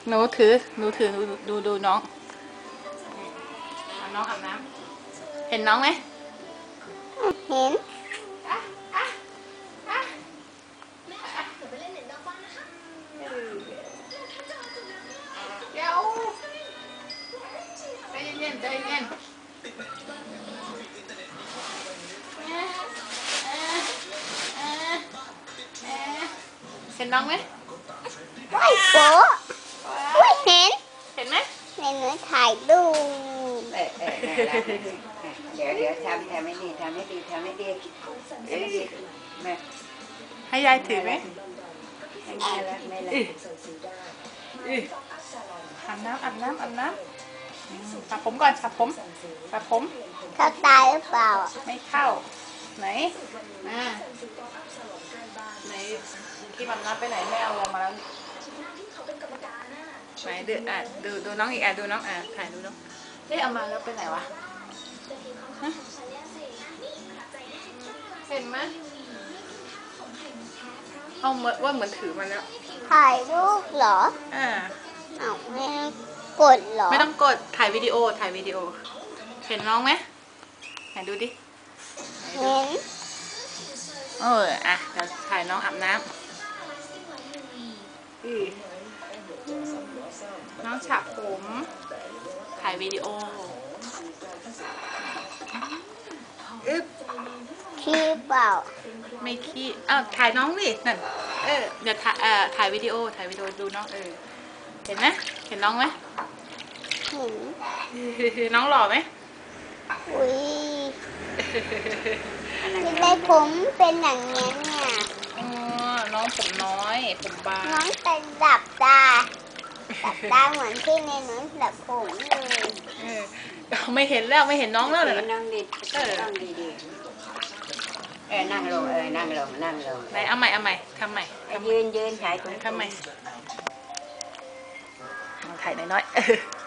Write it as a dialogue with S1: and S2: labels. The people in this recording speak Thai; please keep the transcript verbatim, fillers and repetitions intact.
S1: หนูถือหนูถือดูดูดูน้องน้องอาบน้ำเห็นน้องไหม
S2: เห็น
S1: เดี๋ยวใจเย็นใจเย็นเห็นน้องไหม
S2: ไม่โป๊ะไม่เห็น
S1: เห็นไหม
S2: ในหนูถ่ายรูป
S3: เออเออเดี๋ยวเดี๋ยวทำทำไม่ดีทำไม่ดีทำไม่ดีเอ้ยแม่
S1: ให้ยายถือไหม
S3: ไม่ได้แล้วไม่เลย
S1: อาบน้ำอาบน้ำอาบน้ำสระผมก่อนสระผมสระผม
S2: เขาตายหรือเปล่า
S1: ไม่เข้าไหนมาไหนที่มันนับไปไหนไม่เอาลงมาแล้วไหนดูอ่ะดูดูน้องอีกอ่ะดูน้องอ่ะถ่ายดูน้องเอ๊ะเอามาแล้วไปไหนวะเห็นไหมเอาเหมือนว่าเหมือนถือมันแล้ว
S2: ถ่ายรูปเหรอ
S1: อ่า
S2: เอาไม่กดเหรอ
S1: ไม่ต้องกดถ่ายวิดีโอถ่ายวิดีโอเห็นน้องไหมไหนดูดิ
S2: เห็น
S1: เอออ่ะเดี๋ยวถ่ายน้องอาบน้ำอือน้องฉะผมถ่ายวิดีโออึ๊บ
S2: ขี้เปล่า
S1: ไม่ขี้อ้าวถ่ายน้องดินั่นเออเดี๋ยวถ่ายเอ่อถ่ายวิดีโอถ่ายวิดีโอดูน้องเออเห็นไหมเห็นน้องไหม
S2: เห็น
S1: น้องหล่อไหม
S2: อุ้ยที่ได้ผมเป็นอย่างนี้เนี่ย
S1: อ๋อน้องผมน้อยผมบาง
S2: น้องเป็นดับตาดับตาเหมือนที่ในหนูดับผมเลย
S1: เออไม่เห็นแล้วไม่เห็นน้องแล้วเลย
S3: นั่งดีเออนั่งดีดีเออนั่งลงเออนั่งลงนั่งลง
S1: ไหนเอาใหม่เอาใหม่ทำใหม่
S3: ยืนยืนถ่ายตรง
S1: ทำใหม่ถ่ายน้อยๆ